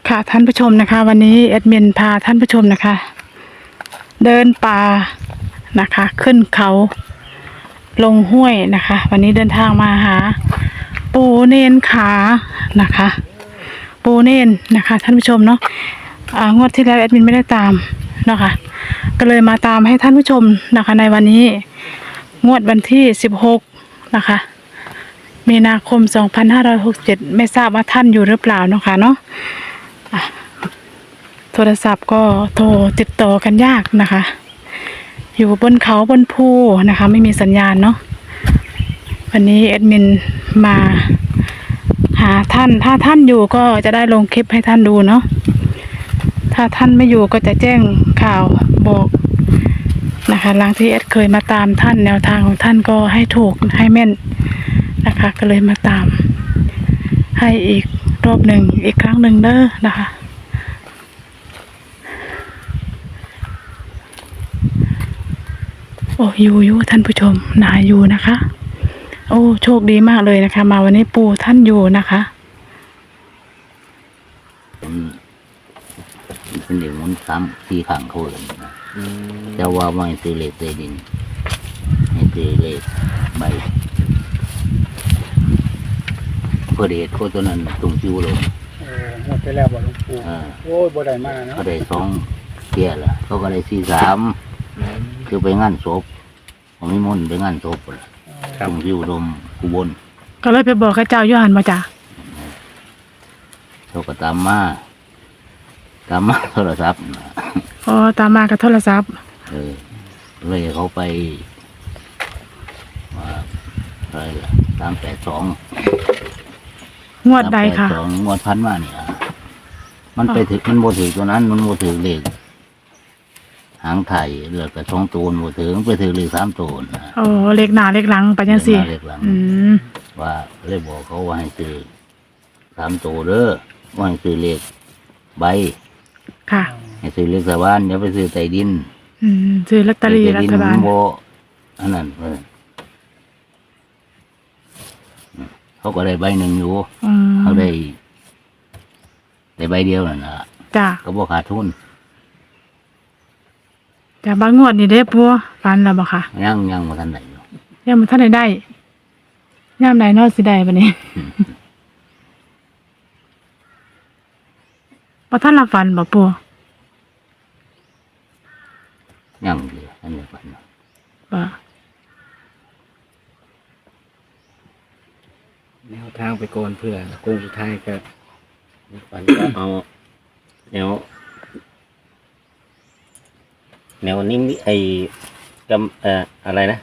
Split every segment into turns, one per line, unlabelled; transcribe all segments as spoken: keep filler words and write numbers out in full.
ค่ะท่านผู้ชมนะคะวันนี้แอดมินพาท่านผู้ชมนะคะ เดินป่านะคะ ขึ้นเขาลงห้วยนะคะ วันนี้เดินทางมาหา ปูเนนขานะคะ ปูเนนนะคะท่านผู้ชมเนาะอ่างวดที่แล้วแอดมินไม่ได้ตามนะคะก็เลยมาตามให้ท่านผู้ชมนะคะในวันนี้งวดวันที่สิบหกนะคะมีนาคมสองพันห้าร้อยหกสิบเจ็ดไม่ทราบว่าท่านอยู่หรือเปล่าเนาะค่ะเนาะโทรศัพท์ก็โทรติดต่อกันยากนะคะ อยู่บนเขาบนภูนะคะไม่มีสัญญาณเนาะวันนี้แอดมินมาหาท่านถ้าท่านอยู่ก็จะได้ลงคลิปให้ท่านดูเนาะถ้าท่านไม่อยู่ก็จะแจ้งข่าวบอกนะคะหลังที่แอดเคยมาตามท่านแนวทางของท่านก็ให้ถูกให้แม่นนะคะก็เลยมาตามให้อีกรอบหนึ่งอีกครั้งหนึ่งเด้อนะคะโอ้อยู่อยู่ท่านผู้ชมหนาอยู่นะคะโอ้โชคดีมากเลยนะคะมาวันนี้ปู่ท่านอยู่นะคะ
เป็นเด็กมันซ้ำสี่ขังเขาเลยนะแต่ว่าไม่ซื้อเลขใต้ดินให้ซื้อเลขใบเพื่อเดชโคตัวนั้นตรงจิ้วลง
เออหมดไปแล้วบ่หลวงปู่โอ้ยบ่ได้มาเนาะ
เขาได้สองเกียร์ละเขาก็ได้สี่สามคือไปงานศพผมไม่มุ่นไปงานศพเลยตรงจิ้วลมกูบน
ก็เลยไปบอกข้าเจ้าย้อนมาจ้ะ
เขาก็ตามมาตามมาโทรศัพท์
อ๋อตามมากับโทรศัพท์
เออเลยเขาไปว่าอะไรล่ะสามแปดสอง
งวดใดค่ะ
สองงวดพันมาเนี่ยมันไปถึงมันโมถือตัวนั้นมันโมถือเลขหางไทยเลือกกับช่องตูนโมถือมันไปถือเลขสามตูน
โอ้เลขหน้าเลขหลังไปยังสี่อืม
ว่าเลยบอกเขาว่าให้ซื้อสามตัวเด้อว่าให้ซื้อเลขใบ
ค่ะ
ให้ซื้อเลขสวรรค์อย่าไปซื้อใต้ดิน
อืมซื้อลอตเตอรี่รัฐบาล
โมอันนั้นเขาก็ได้ใบหนึ่งอยู่เขาได้ได้ใบเดียวนั่นนะ
จ้ะ
ก็บอกขาดทุน
จ้ะบางงวดนี่เด้ปัวฟันแล้วบ่ค่ะ
ยังยังมาทันไหนอยู่
ยังมาทันไหนได้ย่ามไหนนอสิได้บัดนี้บ่ทันละฟันบ่ปัว
ยังอยู่อันนี้ฟัน
บ่
แนวทางไปก่อนเพื่อโค้งสุดท้ายก็ฝันก็เอาแนวแนวนี้ไอ้กำเอ่ออะไรนะ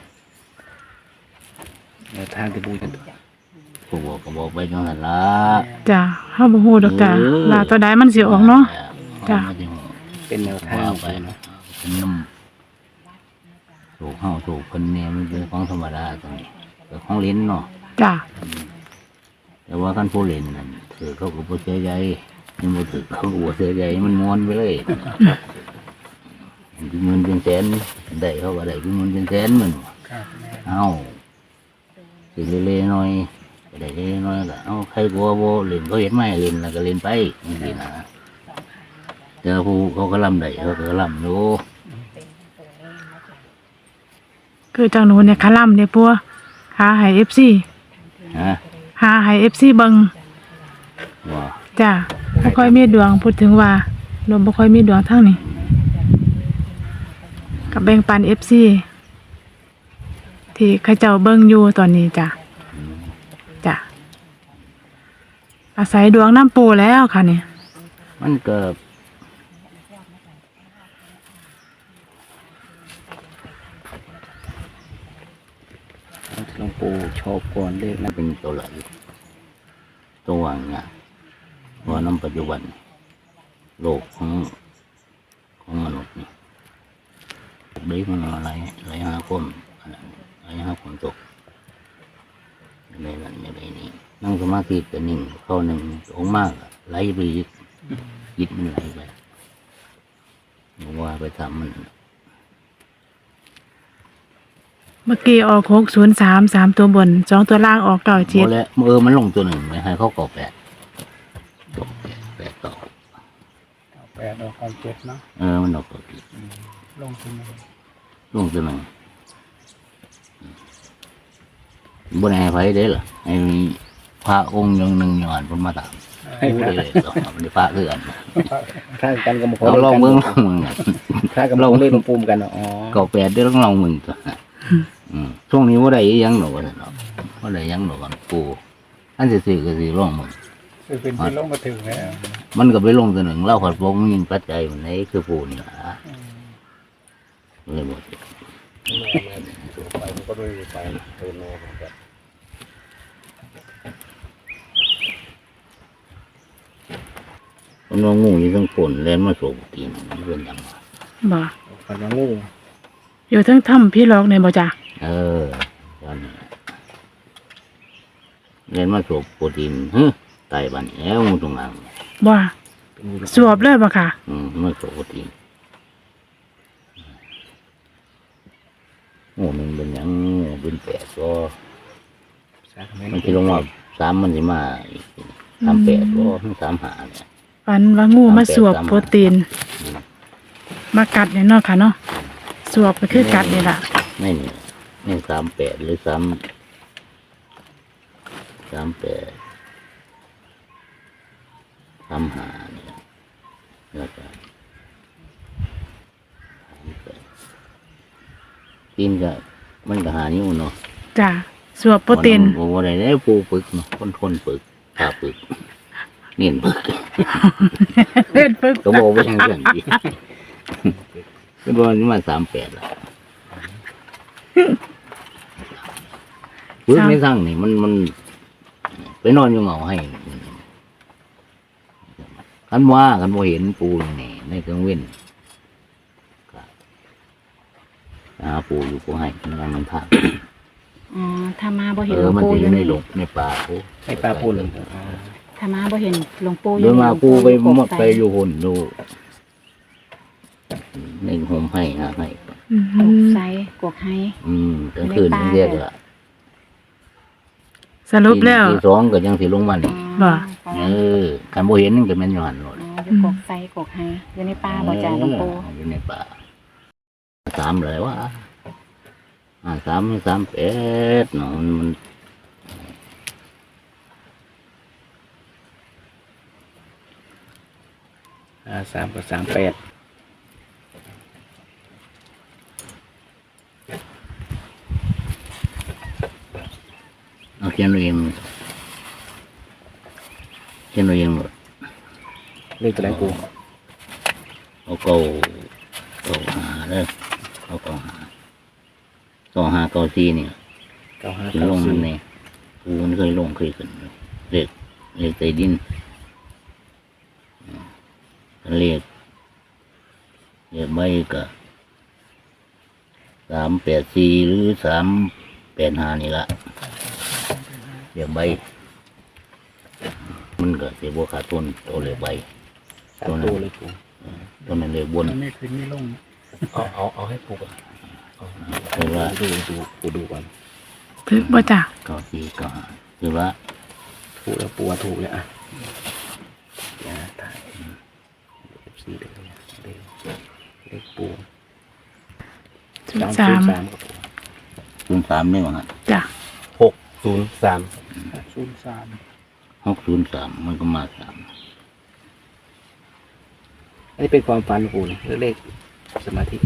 แนวทางที่บูชา
ผู้บอกก็บอกไปจังหันละ
จ้ะเฮาบ่ฮู้ดอกจ้ะลาตัวใดมันสิออกเนาะจ้ะ
เป็นแนวทาง
ไปเนาะเป็นน้ำถูกเฮาถูกคนเนี่ยมันเป็นของธรรมดาตรงนี้แต่ของลิ้นเนาะ
จ้ะ
แต่ว่าขั้นผู้เล่นนั่นถือเขาก็บ่เสียใจมันบ่ถือเขาก็บ่เสียใจมันม้วนไปเลยเป็นหมื่นเป็นแสนได้เขาก็ได้เป็นหมื่นเป็นแสนมันเอาสิเล่ๆหน่อยก็ได้เล่ๆหน่อยก็เอาใครกลัวบ่เล่นเขาเห็นไหมเล่นแล้วก็เล่นไปนี่นะแต่ผู้เขาก็ลำได้เขาก็ลำอยู่
คือจังหนูเนี่ยคาล่ำเนี่ยปัวหาให้ เอฟ ซี
ฮะ
หาให้ เอฟ ซี เบิ่ง
ว่า
จ้ะบ่ค่อยมีดวงพูดถึงว่าลมบ่ค่อยมีดวงทางนี้กับแบ่งปัน เอฟ ซี ที่เขาเจ้าเบิ่งอยู่ตอนนี้จ้ะจ้ะอาศัยดวงน้ำปูแล้วค่ะเนี่ย
มันเกิด
หลวงปู่ชอบก่อนเลข
นั้นเป็นตัวไหลตัววางเนี่ยว่าน้ำปัจจุบันโลกของของมนุษย์นี่เด็กมันอะไรไหลหาคนไหลหาคนตกในนั้นในนี้นั่งสมาธิเป็นหนึ่งเข้าหนึ่งองมากไหลไปยิดยิดมันไหลไปว่าไปทำมัน
เมื่อกี้ออกหกศูนย์สามสามตัวบนสองตัวล่างออกเก้าเจ็ด
แล้วเออมันลงตัวหนึ่งไหมให้เขาก่อแปดตกแปดต่อห
แปดออกความเจ็ดเนาะ
เออมันออกเก้าเจ็ด
ลงทุน
ลงตัวหนึ่งบนไอ้ไฟเด้อไอ้พระองค์ยังหนึ่งหย่อนเพิ่นมาตามให้ได้เลยดอกมันได้พระเถื่อน
ข้างกันกับ
เราลองเบิ่งลองเบิ่ง
ข้างกับลองเล่นปุ่มกันอ๋อ
เก้าแปดได้อต้องลองเบิ่งตัวอืมช่วงนี้บ่ได้อีหยังหรอกว่าซั่นเนาะบ่ได้หยังหรอกกันปู่อันสิซื้อก็สิลองเบิ่ง
คือเป็นที่ลงมาถึงแล้ว
มันก็ไปลงตัวหนึ่งเล่าผัดวงยิงปัจจัยมันไหนคือปู่นี่ล่ะเลยบ่สิ
ไปก็ด้วยไปเดินมาแบบ
มันว่างูอยู่ทั้งฝนแล่นมาโศกกินมันเป็นหยังวะ
บ่
ฟันมางู
อยู่ทั้งถ้ำพี่ล็อกเนี่ยบ่จ้ะ
เออตอนนี้เล่นมาโศกโปรตีนเฮ้ยไตบันแอวงูตรงนั้น
บ่สวบเลยบ่ค่ะ
อืมมาโศกโปรตีนงูมันเป็นหยังงูเป็นแปดก็มันที่ลงมาสามมันสิมาอีกสามแปดก็ทั้งสามหาเนี่ย
ฝันว่างูมาสวบโปรตีน มากัดเนี่ยเนาะค่ะเนาะสวบก็คือกัดนี่ล่ะ
ไม่นี่นี่สามแปดหรือสามสามแปดสามหาเนี่ยแล้วก็สามแปดตีนก็มันก็หานิ้วเนาะ
จ้ะสวบโปรตีน
โอ้โหอะไรได้ปูปึกเนาะคนทนปึกขาปึกเนียนปึก
เล่นปึ๊ก
ก็บอกว่าอย่างเรื่องดีก็บอกว่ามาสามแปดละปึกในทั้งนี่มันมันไปนอนอยู่เหงาให้คันว่าคันบ่เห็นปูนี่ในกลางเว้นก็หาปูอยู่ปูให้มันกำลังทาง
อ๋อถ้ามาบ่เห็
เอน
หล
อ
วง
มัน
ปู่
จะ
อ
อยู่ ยู่ใน
นี่
หลงในป่าปู
ให้ปลาปูน
ถ้ามาบ่เห็นหลวงปู่อ
เดิน
นี่
มาปูไปหมดไปอยู่หุ่นดูในโฮมให้หาให้
อื
กก
ม
ไซกกไฮ
อืมกลางคืนนี่เรียกว่า
สรุปแล้ว
ที่สองก็ยังสิลงมานี่
บ่
เออคันบ่เห็นนี่ก็แม่นอยู่หันโลด
อ๋ออยู่กกไซกกไฮอยู่ในป่าบ่จ้าหลวงปู่
เอออยู่ในป่าสามเลยวะอ่าสามสามแปดเนาะมันมัน
อ่าสามกับสามแปด
เอาเขียนเอาเองเขียนเอาเองหมด
เลขตัวไหนปู
เอาเก้าเก้าหาเด้อเอาเก้าหาเก้าหาเก้าสี่นี่
เก้าห้า
ขึ้น
เก้า
ลงมั
สี่
นนี่กูมันเคยลงเคยขึ้นเลขเลขใต้ดินอืมเลขเลขไม่ก็สามแปดสี่หรือสามแปดห้านี่ละเลขใบมันก็เสียบวขาดต้นตัวเลขใบ
สามตัวเลยปู
ตัวนั้นเลขบน
ไม่ขึ้นไม่ลงเอาเอาเอาให้ปูก่อน
คือว่า
ดูดูปูดูก่อน
ทึกบ่จ้ะ
เก้าสี่เก้าห้าคือว่า
ถูกแล้วปูถูกเลยอ่ะอย่าถ่ายเอฟซีเด็กเด็กเด็กปู
ศูนย์สาม
สามกับปู
ศูนย์สามนี่ว่างั้น
จ้ะ
หกศูนย์สามศูนย์สาม
หกศูนย์สามมันก็มาสาม
อันนี้เป็นความฝันของปูนะเลขสมาธิ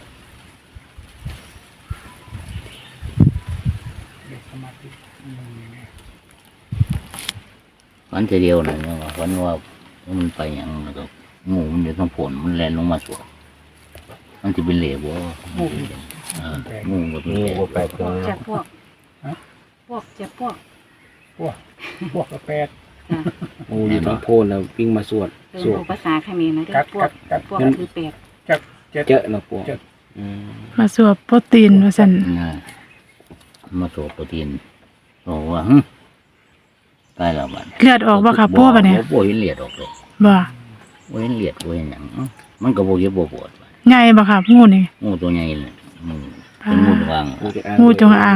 วันเดียวนะเนี่ยว่าวันว่ามันไปอย่างแล้วก็งูมันอยู่ทั้งผลมันแลนลงมาสวดมันจะเป็นเหลวบ่เอองูก็เป็นเหลว
แปดตัว
จะพวกพวกจะพวก
พวกพวกกระแปด
จ้ะ
โอ้ยต้องโพนแล้ววิ่งมาสวด
เป็น
สวด
ภาษาเขมรนะเด้อพวกพวกก็คือแปด
เจอะนะปูอืม
มาสวบโปรตีนว่าซั่น
นะมาสวดโปรตีนบอกว่าหึตายแล้วบัด
เลือดออกบ่ค่ะปู่บัดเนี่ย
บ่เห็นเลือดออกเลย
บ่
บ่เห็นเลือดบ่เห็นหยังเอ้ามันก็บ่เจ็บบ่ปวดบัด
ใหญ่บ่ค่ะงูนี่
งูตัวใหญ่เลยมันเป็นงูจงอาง
ปูจะอ่าน
งูจงอาง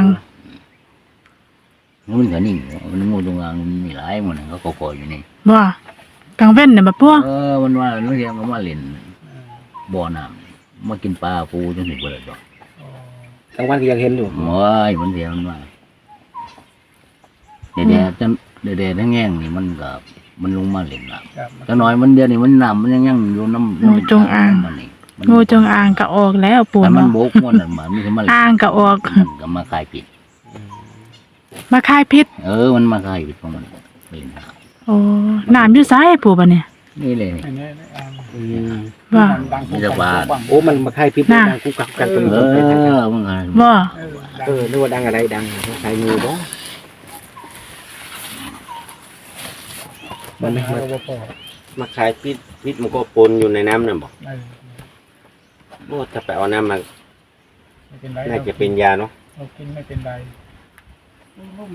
มันก็นิ่งมันงูจงอางมันมีหลายหมันเขาก็คอยอยู่นี่
บ่กลางเว้นเนี่ยบ่ปู่
เออมันว่านักเรียนก็มาเล่นบ่อน้ำมากินปลาปูจังสิบ่ได้ดอก
กลางวันก็ยังเห็นอยู่
โอ้ยมันเดียวมันว่าแดดๆจังแดดๆแห้งๆนี่มันก็มันลงมาเล่นน้ำจังน้อยมันเดียวนี่มันน้ำมันยังยังอยู่น้ำ
งูจงอาง
มันนี่มัน
งูจงอางก็ออกแล้วปู่
แต่มัน
เนาะ
โบกมันนั่นมันมีแต่มาเล่น
อ่างก็ออก
มันก็มาคายผิด
มาคายพิษ
เออมันมาคายผิดของมันเล่นน้
โอ้น้ำอยู่ไสปู่บัดเนี่ย
ำนี่เลยนี่
อันนี้อ่าง
อืม
ว่า
ดัง
มีแต่บ้าน
โอ้มันมาคายพิษ
น่ะ
ดังกุกกักกันจน
เอ
คนไปทาง
อมันก็
ว่า
เออ
เออนึกว่าดังอะไรดังใช้งูบ้มันไม่
มา
มา
บ่พอ
มาขายพิษพิษมันก็ปนอยู่ในน้ำนั่นบอก
เออ
โอ้ถ้าไปเอาน้ำมา
ไม่เป็นไร
น่าจะเป็นยาเนาะ
เรากินไม่เป็นไร
ลุ่ม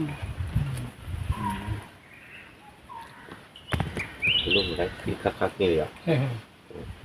ลูกอะไรพิษคักๆนี่เลยอ่ะ
เออ